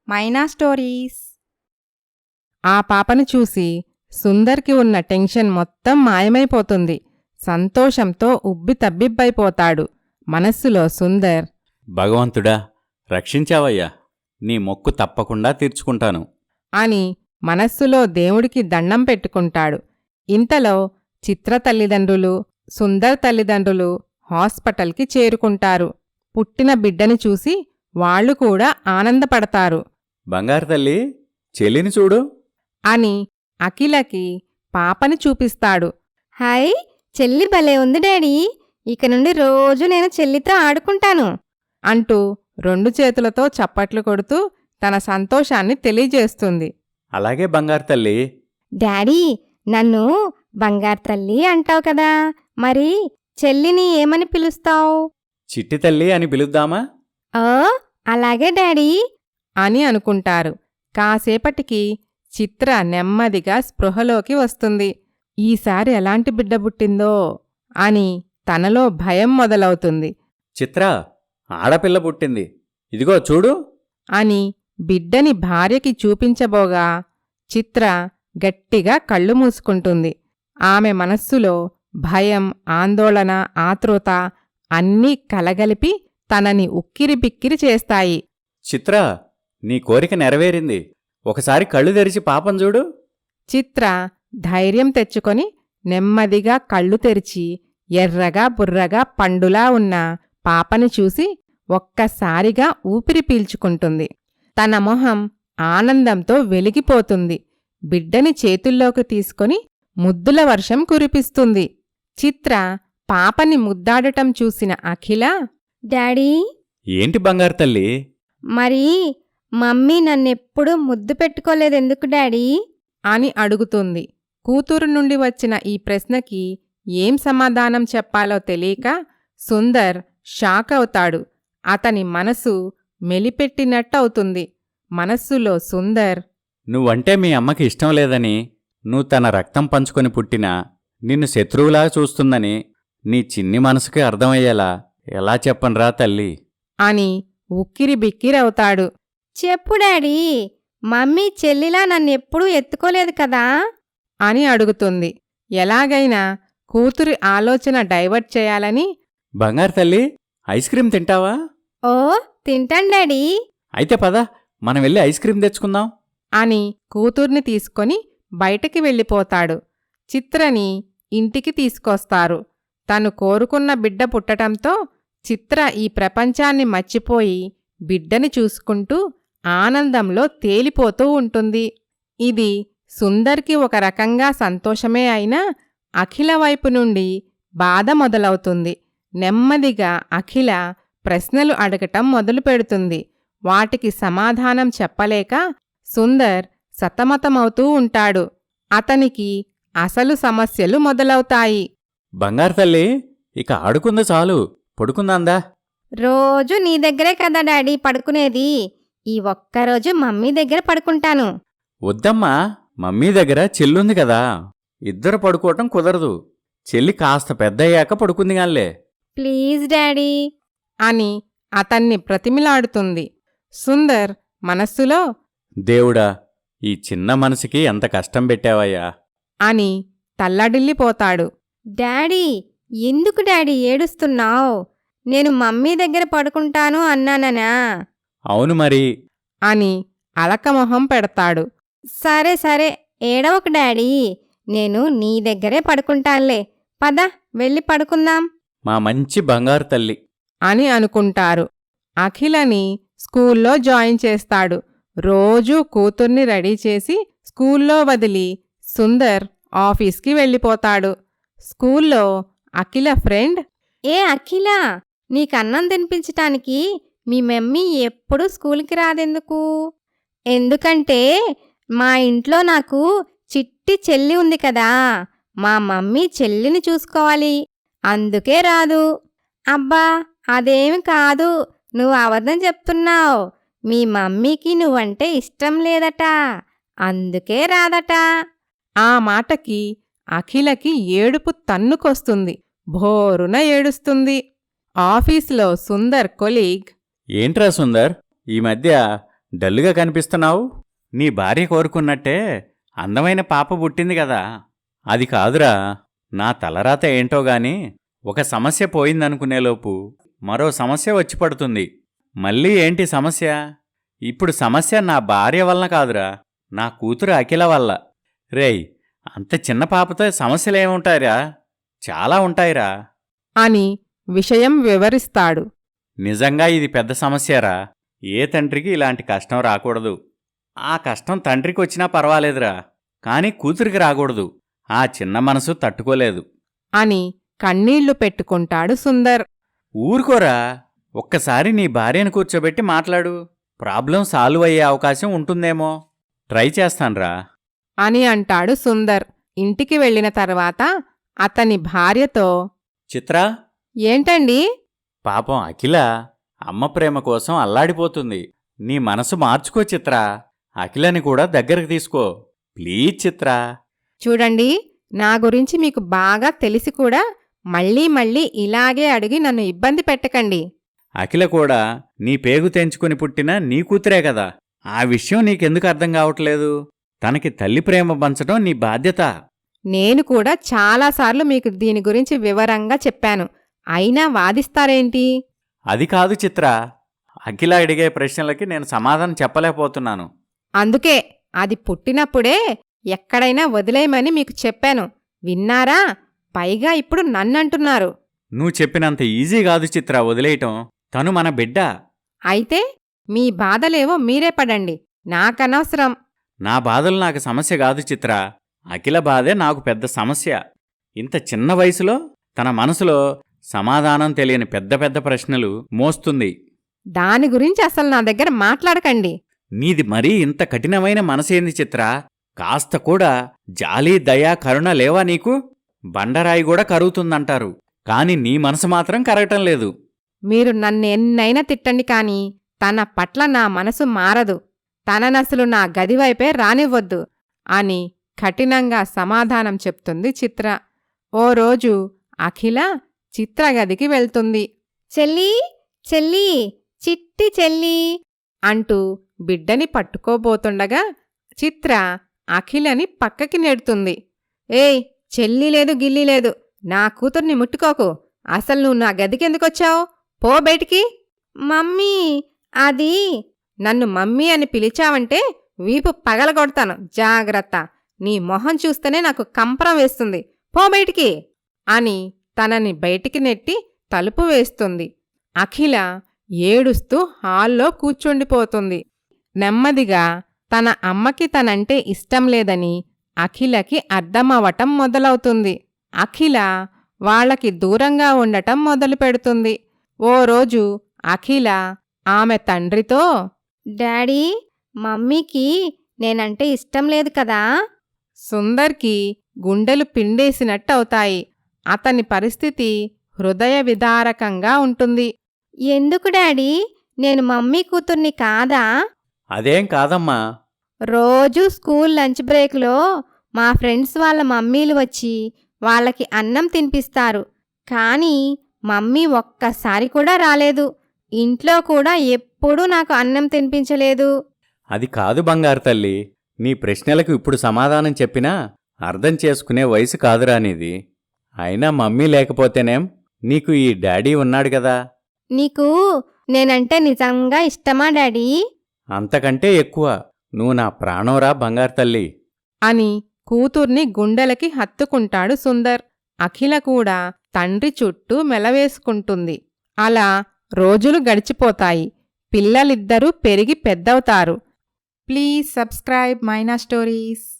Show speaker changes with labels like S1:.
S1: మైనా stories. ఆ పాపను చూసి సుందర్కి ఉన్న టెన్షన్ మొత్తం మాయమైపోతుంది. సంతోషంతో ఉబ్బితబ్బిబ్బైపోతాడు. మనస్సులో సుందర్,
S2: భగవంతుడా, రక్షించావయ్యా, నీ మొక్కు తప్పకుండా తీర్చుకుంటాను
S1: అని మనస్సులో దేవుడికి దండం పెట్టుకుంటాడు. ఇంతలో చిత్ర తల్లిదండ్రులు, సుందర్ తల్లిదండ్రులు హాస్పిటల్కి చేరుకుంటారు. పుట్టిన బిడ్డని చూసి వాళ్లు కూడా ఆనందపడతారు.
S2: బంగారు తల్లి, చెల్లిని చూడు
S1: అని అఖిలకి పాపని చూపిస్తాడు.
S3: హాయ్, చెల్లి భలే ఉంది డాడీ. ఇక నుండి రోజు నేను చెల్లితో ఆడుకుంటాను
S1: అంటూ 2 చేతులతో చప్పట్లు కొడుతూ తన సంతోషాన్ని తెలియజేస్తుంది.
S2: అలాగే బంగారు తల్లి.
S3: డాడీ, నన్ను బంగారు తల్లి అంటావు కదా, మరి చెల్లిని ఏమని పిలుస్తావు?
S2: చిట్టి తల్లి అని పిలుద్దామా?
S3: ఓ, అలాగే డాడీ
S1: అని అనుకుంటారు. కాసేపటికి చిత్ర నెమ్మదిగా స్పృహలోకి వస్తుంది. ఈసారి ఎలాంటి బిడ్డ పుట్టిందో అని తనలో భయం మొదలవుతుంది.
S2: చిత్ర, ఆడపిల్ల పుట్టింది, ఇదిగో చూడు
S1: అని బిడ్డని భార్యకి చూపించబోగా చిత్ర గట్టిగా కళ్ళు మూసుకుంటుంది. ఆమె మనస్సులో భయం, ఆందోళన, ఆతృత అన్నీ కలగలిపి తనని ఉక్కిరిబిక్కిరి చేస్తాయి.
S2: చిత్ర, నీ కోరిక నెరవేరింది. ఒకసారి కళ్ళు తెరిచి పాపం చూడు.
S1: చిత్ర ధైర్యం తెచ్చుకొని నెమ్మదిగా కళ్ళు తెరిచి ఎర్రగా బుర్రగా పండులా ఉన్న పాపని చూసి ఒక్కసారిగా ఊపిరి పీల్చుకుంటుంది. తన మొహం ఆనందంతో వెలిగిపోతుంది. బిడ్డని చేతుల్లోకి తీసుకొని ముద్దుల వర్షం కురిపిస్తుంది. చిత్ర పాపని ముద్దాడటం చూసిన అఖిల,
S3: డాడీ,
S2: ఏంటి బంగారు తల్లి?
S3: మరి మమ్మీ నన్నెప్పుడూ ముద్దు పెట్టుకోలేదెందుకు డాడీ
S1: అని అడుగుతుంది. కూతురు నుండి వచ్చిన ఈ ప్రశ్నకి ఏం సమాధానం చెప్పాలో తెలియక సుందర్ షాక్ అవుతాడు. అతని మనసు మెలిపెట్టినట్టవుతుంది. మనస్సులో సుందర్,
S2: నువ్వంటే మీ అమ్మకి ఇష్టం లేదని, నువ్వు తన రక్తం పంచుకొని పుట్టినా నిన్ను శత్రువులా చూస్తుందని నీ చిన్ని మనసుకి అర్థమయ్యేలా ఎలా చెప్పనురా తల్లి
S1: అని ఉక్కిరిబిక్కిరవుతాడు.
S3: చెప్పు డాడీ, మమ్మీ చెల్లిలా నన్నెప్పుడూ ఎత్తుకోలేదు కదా
S1: అని అడుగుతుంది. ఎలాగైనా కూతురి ఆలోచన డైవర్ట్ చేయాలని,
S2: బంగారు తల్లి, ఐస్ క్రీం తింటావా?
S3: ఓ, తింటాను డాడీ.
S2: అయితే పద, మనం వెళ్ళి ఐస్ క్రీం తెచ్చుకుందాం
S1: అని కూతుర్ని తీసుకొని బయటికి వెళ్ళిపోతాడు. చిత్రని ఇంటికి తీసుకొస్తారు. తను కోరుకున్న బిడ్డ పుట్టటంతో చిత్ర ఈ ప్రపంచాన్ని మర్చిపోయి బిడ్డని చూసుకుంటూ ఆనందంలో తేలిపోతూ ఉంటుంది. ఇది సుందర్కి ఒక రకంగా సంతోషమే అయినా అఖిల వైపు నుండి బాధ మొదలవుతుంది. నెమ్మదిగా అఖిల ప్రశ్నలు అడగటం మొదలుపెడుతుంది. వాటికి సమాధానం చెప్పలేక సుందర్ సతమతమవుతూ ఉంటాడు. అతనికి అసలు సమస్యలు మొదలవుతాయి.
S2: బంగారు తల్లి, ఇక ఆడుకుందా చాలు, పడుకుందాందా?
S3: రోజు నీ దగ్గరే కదా డాడీ పడుకునేది. ఈ ఒక్కరోజు మమ్మీ దగ్గర పడుకుంటాను.
S2: వద్దమ్మా, మమ్మీ దగ్గర చెల్లుంది కదా, ఇద్దరు పడుకోవటం కుదరదు. చెల్లి కాస్త పెద్దయ్యాక పడుకుందిగాన్లే.
S3: ప్లీజ్ డాడీ
S1: అని అతన్ని ప్రతిమిలాడుతుంది. సుందర్ మనస్సులో,
S2: దేవుడా, ఈ చిన్న మనసుకి ఎంత కష్టం పెట్టావయ్యా
S1: అని తల్లడిల్లిపోతాడు.
S3: డాడీ, ఎందుకు డాడీ ఏడుస్తున్నావు? నేను మమ్మీ దగ్గర పడుకుంటాను అన్నాననా?
S2: అవును మరి
S1: అని అలకమొహం పెడతాడు.
S3: సరే సరే, ఏడవకు డాడీ, నేను నీ దగ్గరే పడుకుంటానులే. పద, వెళ్ళి పడుకుందాం.
S2: మా మంచి బంగారు తల్లి
S1: అని అనుకుంటారు. అఖిలని స్కూల్లో జాయిన్ చేస్తాడు. రోజూ కూతుర్ని రెడీ చేసి స్కూల్లో వదిలి సుందర్ ఆఫీస్కి వెళ్ళిపోతాడు. స్కూల్లో అఖిల ఫ్రెండ్,
S3: ఏ అఖిల, నీకన్నం తినిపించటానికి మీ మమ్మీ ఎప్పుడూ స్కూల్కి రాదెందుకు? ఎందుకంటే మా ఇంట్లో నాకు చిట్టి చెల్లి ఉంది కదా, మా మమ్మీ చెల్లిని చూసుకోవాలి, అందుకే రాదు. అబ్బా, అదేమి కాదు, నువ్వు అబద్ధం చెప్తున్నావు. మీ మమ్మీకి నువ్వంటే ఇష్టం లేదట, అందుకే రాదట.
S1: ఆ మాటకి అఖిలకి ఏడుపు తన్నుకొస్తుంది. భోరున ఏడుస్తుంది. ఆఫీసులో సుందర్ కొలీగ్,
S2: ఏంట్రా సుందర్, ఈ మధ్య డల్లుగా కనిపిస్తున్నావు? నీ భార్య కోరుకున్నట్టే అందమైన పాప పుట్టింది కదా. అది కాదురా, నా తలరాత ఏంటో గాని ఒక సమస్య పోయిందనుకునేలోపు మరో సమస్య వచ్చి పడుతుంది. మళ్ళీ ఏంటి సమస్య? ఇప్పుడు సమస్య నా భార్య వలన కాదురా, నా కూతురు అఖిల వల్ల. రేయ్, అంత చిన్న పాపతో సమస్యలేముంటాయిరా? చాలా ఉంటాయిరా
S1: అని విషయం వివరిస్తాడు.
S2: నిజంగా ఇది పెద్ద సమస్యరా. ఏ తండ్రికి ఇలాంటి కష్టం రాకూడదు. ఆ కష్టం తండ్రికి వచ్చినా పర్వాలేదురా, కాని కూతురికి రాకూడదు. ఆ చిన్న మనసు తట్టుకోలేదు
S1: అని కన్నీళ్లు పెట్టుకుంటాడు సుందర్.
S2: ఊరుకోరా, ఒక్కసారి నీ భార్యను కూర్చోబెట్టి మాట్లాడు. ప్రాబ్లం సాల్వ్ అయ్యే అవకాశం ఉంటుందేమో. ట్రై చేస్తాన్రా
S1: అని అంటాడు సుందర్. ఇంటికి వెళ్ళిన తర్వాత అతని భార్యతో,
S2: చిత్రా,
S1: ఏంటండి?
S2: పాపం అఖిల అమ్మ ప్రేమ కోసం అల్లాడిపోతుంది. నీ మనసు మార్చుకో చిత్రా. అఖిలని కూడా దగ్గరకు తీసుకో ప్లీజ్ చిత్రా.
S1: చూడండి, నా గురించి మీకు బాగా తెలిసి కూడా మళ్ళీ మళ్ళీ ఇలాగే అడిగి నన్ను ఇబ్బంది పెట్టకండి.
S2: అఖిల కూడా నీ పేగు తెంచుకుని పుట్టిన నీ కూతురే కదా. ఆ విషయం నీకెందుకు అర్థం కావట్లేదు? తనకి తల్లి ప్రేమ పంచడం నీ బాధ్యత.
S1: నేను కూడా చాలాసార్లు మీకు దీని గురించి వివరంగా చెప్పాను. అయినా వాదిస్తారేంటి?
S2: అది కాదు చిత్రా, అఖిల అడిగే ప్రశ్నలకి నేను సమాధానం చెప్పలేకపోతున్నాను.
S1: అందుకే అది పుట్టినప్పుడే ఎక్కడైనా వదిలేయమని మీకు చెప్పాను. విన్నారా? పైగా ఇప్పుడు నన్నంటున్నారు.
S2: నువ్వు చెప్పినంత ఈజీ కాదు చిత్రా వదిలేయటం. తను మన బిడ్డ.
S1: అయితే మీ బాధలేవో మీరే పడండి, నాకనవసరం.
S2: నా బాధలు నాకు సమస్య కాదు చిత్రా. అఖిల బాధే నాకు పెద్ద సమస్య. ఇంత చిన్న వయసులో తన మనసులో సమాధానం తెలియని పెద్ద పెద్ద ప్రశ్నలు మోస్తుంది.
S1: దాని గురించి అసలు నా దగ్గర మాట్లాడకండి.
S2: నీది మరీ ఇంత కఠినమైన మనసేంది చిత్రా? కాస్త కూడా జాలి దయా కరుణ లేవా నీకు? బండరాయి కూడా కరుగుతుందంటారు, కాని నీ మనసు మాత్రం కరగటం లేదు.
S1: మీరు నన్నెన్నైనా తిట్టండి కాని తన పట్ల నా మనసు మారదు. తననసలు నా గదివైపే రానివ్వొద్దు అని కఠినంగా సమాధానం చెప్తుంది చిత్ర. ఓ రోజు అఖిల చిత్ర గదికి వెళ్తుంది.
S3: చెల్లీ, చెల్లీ, చిట్టి చెల్లీ
S1: అంటూ బిడ్డని పట్టుకోబోతుండగా చిత్ర అఖిలని పక్కకి నెడుతుంది. ఏయ్, చెల్లి లేదు గిల్లి లేదు, నా కూతుర్ని ముట్టుకోకు. అసలు నువ్వు నా గదికెందుకొచ్చావు? పో బయటికి.
S3: మమ్మీ, అది
S1: నన్ను మమ్మీ అని పిలిచావంటే వీపు పగలగొడతాను, జాగ్రత్త. నీ మొహం చూస్తేనే నాకు కంపరం వేస్తుంది. పో బయటికి అని తనని బయటికి నెట్టి తలుపు వేస్తుంది. అఖిల ఏడుస్తూ హాల్లో కూర్చుండిపోతుంది. నెమ్మదిగా తన అమ్మకి తనంటే ఇష్టం లేదని అఖిలకి అర్థమవటం మొదలవుతుంది. అఖిల వాళ్ళకి దూరంగా ఉండటం మొదలుపెడుతుంది. ఓ రోజు అఖిల ఆమె తండ్రితో,
S3: డాడీ, మమ్మీకి నేనంటే ఇష్టం లేదు కదా.
S1: సుందర్కి గుండెలు పిండేసినట్టవుతాయి. అతని పరిస్థితి హృదయ విదారకంగా ఉంటుంది.
S3: ఎందుకు డాడీ? నేను మమ్మీ కూతుర్ని కాదా?
S2: అదేం కాదమ్మా.
S3: రోజూ స్కూల్ లంచ్ బ్రేక్లో మా ఫ్రెండ్స్ వాళ్ళ మమ్మీలు వచ్చి వాళ్ళకి అన్నం తినిపిస్తారు. కానీ మమ్మీ ఒక్కసారి కూడా రాలేదు. ఇంట్లో కూడా ఎప్పుడూ నాకు అన్నం తినిపించలేదు.
S2: అది కాదు బంగారు తల్లి, నీ ప్రశ్నలకు ఇప్పుడు సమాధానం చెప్పినా అర్థం చేసుకునే వయసు కాదురా నీది. అయినా మమ్మీ లేకపోతేనేం, నీకు ఈ డాడీ ఉన్నాడు కదా.
S3: నీకు నేనంటే నిజంగా ఇష్టమా డాడీ?
S2: అంతకంటే ఎక్కువ. నువ్వు నా ప్రాణంరా బంగారు తల్లి
S1: అని కూతుర్ని గుండెలకి హత్తుకుంటాడు సుందర్. అఖిల కూడా తండ్రి చుట్టూ మెలవేసుకుంటుంది. అలా రోజులు గడిచిపోతాయి. పిల్లలిద్దరూ పెరిగి పెద్దవుతారు. Please subscribe Maina stories.